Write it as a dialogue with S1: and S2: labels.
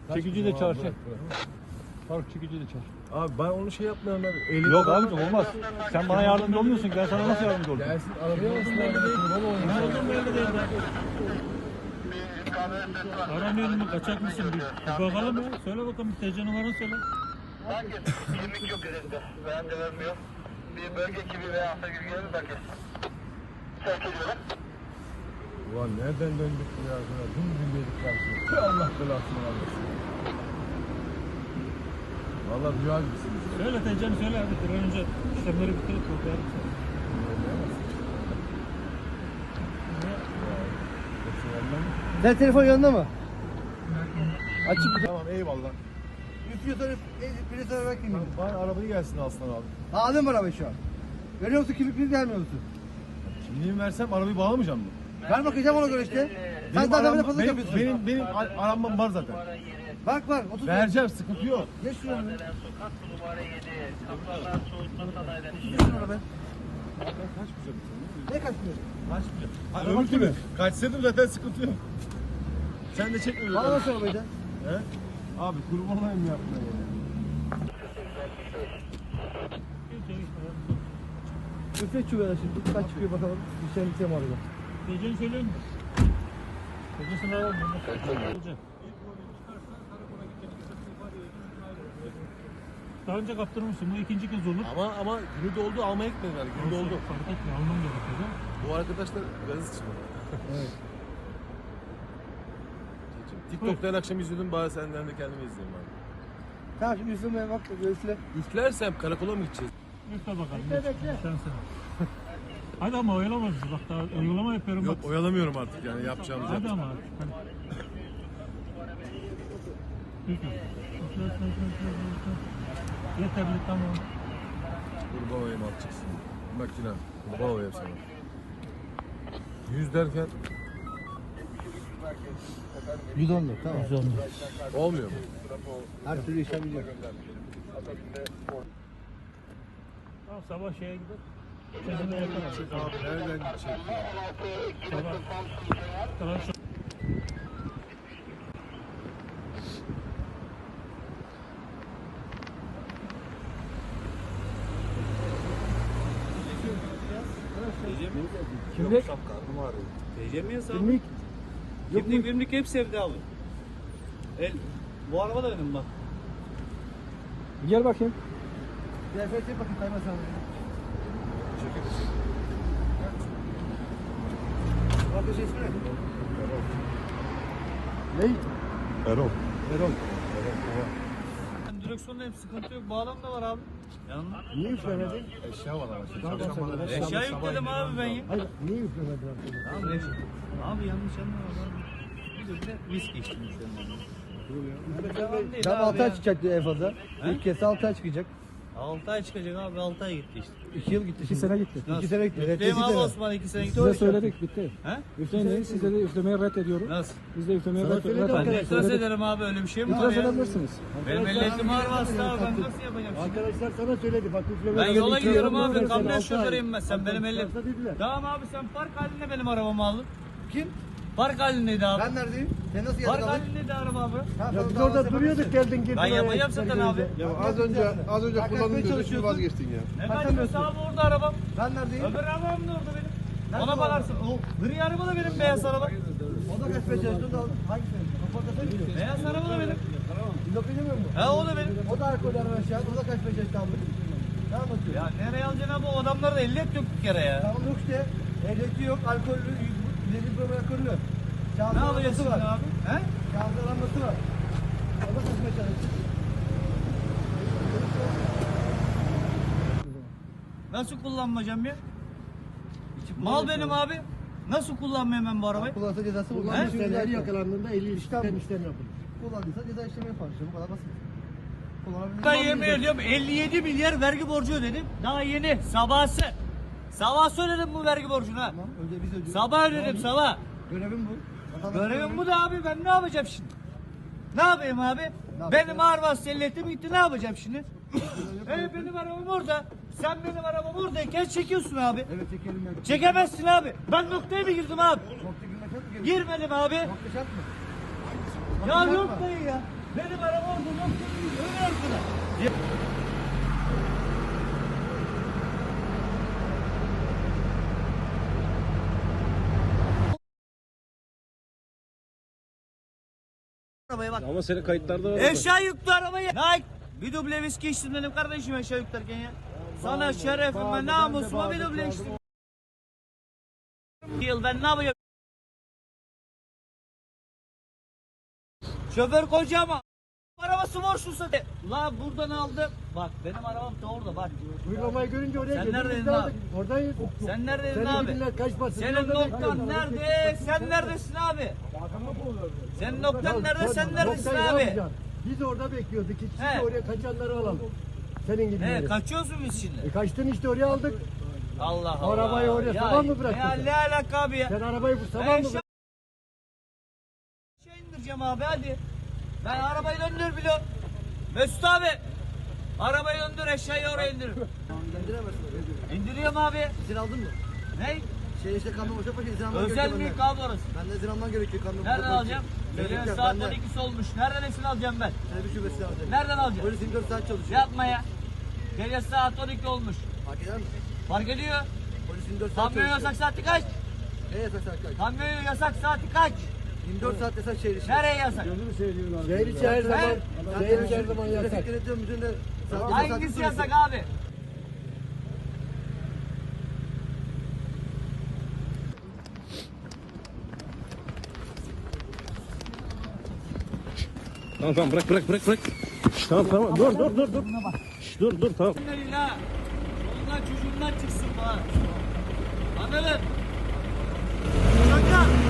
S1: Çekici de çağır. Faruk çekici de çağır.
S2: Abi ben onu şey yapmıyorum ben.
S1: Yok abicim olmaz. Sen bana yardımcı olmuyorsun ki ben sana nasıl yardımcı olacağım?
S2: Gelsin arabaya alsın belli
S3: Aramıyorum mu? Kaçak mısın? Bir bakalım ya. Söyle bakalım. TC numaranı söyle.
S4: Hangi? Kimlik yok elinde. Ben de vermiyor. Bir bölge ekibi veya hasta gibi gelir belki. Sevk ediyorum.
S2: Ulan nereden döndük ya? Dün bilmedik karşıya. Allah belasını vermesin. Valla rüya gibisiniz.
S3: Söyle TC'ni söyle hadi. Bir an önce işlemleri bitirip kurtaralım.
S5: Sen telefon yanında mı? Açık.
S2: Tamam eyvallah.
S5: Üflüyorsan üflüyorsan ver kimliğini.
S2: Bana arabayı gelsin Aslan abi.
S5: Aldın mı arabayı şu an? Veriyor musun kimlikleri gelmiyor musun?
S2: Kimliğimi versem arabayı bağlamayacağım mı?
S5: Ver bakacağım ona göre işte. Sen zaten böyle fazla yapıyorsun.
S2: Benim aramam var zaten.
S5: Bak var 30
S2: Vereceğim sıkıntı yok.
S5: Geç şuraya.
S4: Sokak numara 7. Kaplardan soğutma sanayiden.
S5: Geç şuraya ben.
S2: Kaçmayacağım.
S5: Ne kaçmıyor?
S2: Kaçmayacağım. Ha, öbür türlü. Kaçsaydım zaten sıkıntı yok. Sen de çekme.
S5: Bana nasıl arabayı da?
S2: He? Abi kurban olayım yapma ya.
S5: Üflet çubuğuna şimdi. Kaç çıkıyor bakalım. Bir şey biteyim arada.
S3: TC'ni söyleyin mi? TC'sini alalım. Daha önce kaptırmışsın. Bu ikinci kez olur.
S2: Ama günü doldu almaya gitmedim yani. Günü doldu.
S3: Fark etmiyor. Almam gerekiyor. Değil mi?
S2: Bu arkadaşlar gazı çıkmadı.
S5: Evet.
S2: TikTok'ta her akşam izliyordum bari senden de kendimi izleyeyim abi.
S5: Tamam şimdi üflemeye bak. Üfle.
S2: İflersem karakola mı gideceğiz?
S3: Üfle bakalım.
S5: Bekle.
S3: Şansına. Hadi ama oyalama bizi. Bak daha uygulama yapıyorum.
S2: Yok
S3: bak.
S2: oyalamıyorum artık yani yapacağımız
S3: Hadi
S2: yap.
S3: ama. Hadi. Üfle. Üfle, üfle, üfle, üfle. Yeterli tamam.
S2: Kurban olayım atacaksın. Makine. Kurban olayım sana. 100 derken
S5: 110 lira tamam.
S2: olmuyor mu?
S5: Her türlü işlem biliyor.
S3: Tamam sabah şeye gider. Çözümü yaparız.
S2: Abi nereden gidecek?
S3: Sabah. Tamam şu.
S5: Kimlik?
S6: TC mi hesabı?
S5: Kimlik?
S6: Kimlik bimlik hepsi evde abi. Bu araba da benim bak.
S5: Gel bakayım. Bir efekt çek bakayım kayma sen. Arkadaş ismi ne? Ney?
S2: Erol.
S5: Erol.
S6: Direksiyonda hep sıkıntı yok. Bağlam da var abi. Yanında.
S5: Niye üflemedin?
S2: Eşya var ama.
S6: Eşya yükledim abi ben ya.
S5: Hayır, niye üflemedin?
S6: Tamam eşya. Abi yanlış anlama abi. Bir de viski içtim üzerinden.
S5: Ben 6 ay çıkacak diyor en fazla.
S6: He?
S5: İlk kez 6 ay çıkacak.
S6: 6 ay çıkacak abi 6 ay gitti işte.
S5: 2 yıl gitti. 2 sene gitti. 2
S6: Nasıl?
S5: sene gitti.
S6: Üfleyeyim
S5: Reddedildi
S6: abi
S5: de.
S6: Osman 2 sene gitti.
S7: Size söyledik bitti.
S6: He?
S7: Üfleyin size de üflemeyi reddediyorum.
S6: Nasıl?
S7: Biz de üflemeyi
S5: Sana söyledim
S6: Ben de
S5: arkadaşlar.
S6: itiraz ederim abi öyle bir şey mi var
S7: İtiraz
S6: ya?
S7: edebilirsiniz.
S6: Benim ehliyetim var aslında abi ben nasıl yapacağım şimdi?
S5: Arkadaşlar sana söyledi bak üfleme.
S6: Ben yola gidiyorum abi
S5: Versen
S6: kamyon
S5: 6 ay.
S6: şoförüyüm ben sen benim elim.
S5: Varsa dediler.
S6: Tamam abi sen park halinde benim arabamı aldın.
S5: Kim?
S6: Park halindeydi abi.
S5: Ben neredeyim? Sen nasıl
S6: Park
S5: geldin abi?
S6: halindeydi araba abi.
S5: Ya biz orada duruyorduk geldin girdin.
S6: Ben yapacağım zaten abi.
S5: Ya az önce kullandığın gözü vazgeçtin ya.
S6: Ne kaçıyorsa abi orada arabam.
S5: Ben neredeyim?
S6: Öbür arabam da orada benim.
S5: Nerede
S6: Ona
S5: o
S6: bakarsın. O gri araba da benim beyaz araba.
S5: O da kaçmaya çalıştın da hangisi? Kapatta sen.
S6: Beyaz araba da benim.
S5: Yok bilmiyor mu?
S6: He o da benim.
S5: O da alkol araba şu an. O da kaçmaya çalıştı abi. Ne anlatıyor?
S6: Ya nereye alacaksın abi o adamlarda ehliyet yok bir kere ya.
S5: Tamam yok işte. Ehliyeti yok, alkollü, ileri bir alkollü.
S6: Ne alacaksın
S5: var?
S6: abi? He?
S5: Kağıtlar anlatı var. O da kaçmaya çalıştı.
S6: Nasıl kullanmayacağım ya? Mal benim abi. Nasıl kullanmayayım ben bu arabayı?
S5: Kullansa cezası olur.
S6: He?
S5: Her yakalandığında 50 işlem yapılır. Kullandıysa ceza işlemi yapar. Bu kadar basit. Kullanabilir.
S6: Ben yemin ediyorum 57 milyar vergi borcu ödedim. Daha yeni sabahsı. Sabah ödedim bu vergi borcunu ha.
S5: Tamam, önce biz ödüyoruz.
S6: Sabah ödedim sabah.
S5: Görevim bu.
S6: Görevim bu da abi ben ne yapacağım şimdi? Ne yapayım abi? Benim ağır vasıta ehliyetim gitti ne yapacağım şimdi? Benim arabam orada. Sen benim arabam oradayken çekiyorsun abi.
S5: Evet çekelim.
S6: Çekemezsin abi. Ben noktaya mı girdim abi?
S5: Nokta girmek şart mı?
S6: Girmedim abi.
S5: Nokta şart mı?
S6: Ya yok dayı ya. Benim araba orada noktanın öbür arkada. Arabaya bak.
S7: Ama senin kayıtlarda var.
S6: Eşya yüklü arabayı. Nike. Bir duble viski içtim dedim kardeşim eşya yüklerken ya. Sana şerefime namusuma bir duble içtim. Yıl ben ne yapacağım? Şoför kocama. Arabası borçlusa de. La buradan aldım. Bak benim arabam da orada bak.
S5: Uygulamayı görünce oraya
S6: Sen
S5: geldik,
S6: neredeydin
S5: biz de
S6: abi?
S5: aldık. Oradayız.
S6: Sen neredeydin
S5: Seni
S6: abi?
S5: bilirler, kaç basın.
S6: Senin
S5: Orada
S6: noktan
S5: bekliyoruz.
S6: nerede? Sen neredesin abi? Senin noktan nerede? Sen neredesin
S5: Noktayı ne
S6: abi?
S5: yapacaksın? Biz orada bekliyorduk. İkisi
S6: He.
S5: de oraya kaçanları alalım. Senin gibileri.
S6: Kaçıyorsun biz şimdi.
S5: Kaçtın işte oraya aldık.
S6: Allah Allah.
S5: Arabayı oraya sabah mı bıraktın
S6: Ya
S5: sen?
S6: ne alaka abi ya?
S5: Sen arabayı bu sabah mı
S6: Ben
S5: bıraktın?
S6: şey indireceğim abi hadi. Ben arabayı döndür biliyorum. Mesut abi. Arabayı döndür eşyayı oraya indir.
S5: İndiremezsin.
S6: İndiriyorum abi.
S5: İzin aldın mı?
S6: Ne?
S5: Şey işte kamyon boşa paşa izin alman
S6: Özel
S5: gerekiyor
S6: mülk
S5: benden.
S6: abi orası.
S5: Benden izin alman gerekiyor kamyon boşa
S6: Nereden
S5: paşa.
S6: alacağım? Gecenin
S5: Gerekli,
S6: saat
S5: benden.
S6: 12'si olmuş. Nereden izin alacağım ben?
S5: Trafik şubesine alacağım.
S6: Nereden alacağım?
S5: Polis 24 saat çalışıyor.
S6: Yapma ya. Gece saat 12 olmuş.
S5: Fark eder mi?
S6: Fark ediyor.
S5: Polis 24 saat
S6: Kamyon
S5: çalışıyor.
S6: yasak saati kaç?
S5: Ne yasak saat kaç?
S6: Kamyon yasak saati kaç?
S5: 24 saat yasak şehir içi.
S6: Nereye yasak?
S5: Şehir içi her zaman.
S6: Ben-
S5: Şehir içi her zaman yasak. Trafik denetliyor müdüründe.
S6: Hangisi yasak abi?
S7: Tamam tamam bırak. Tamam dur. Dur tamam.
S6: Bismillah. Ondan çocuğundan çıksın bana. Anladın? Çocuklar.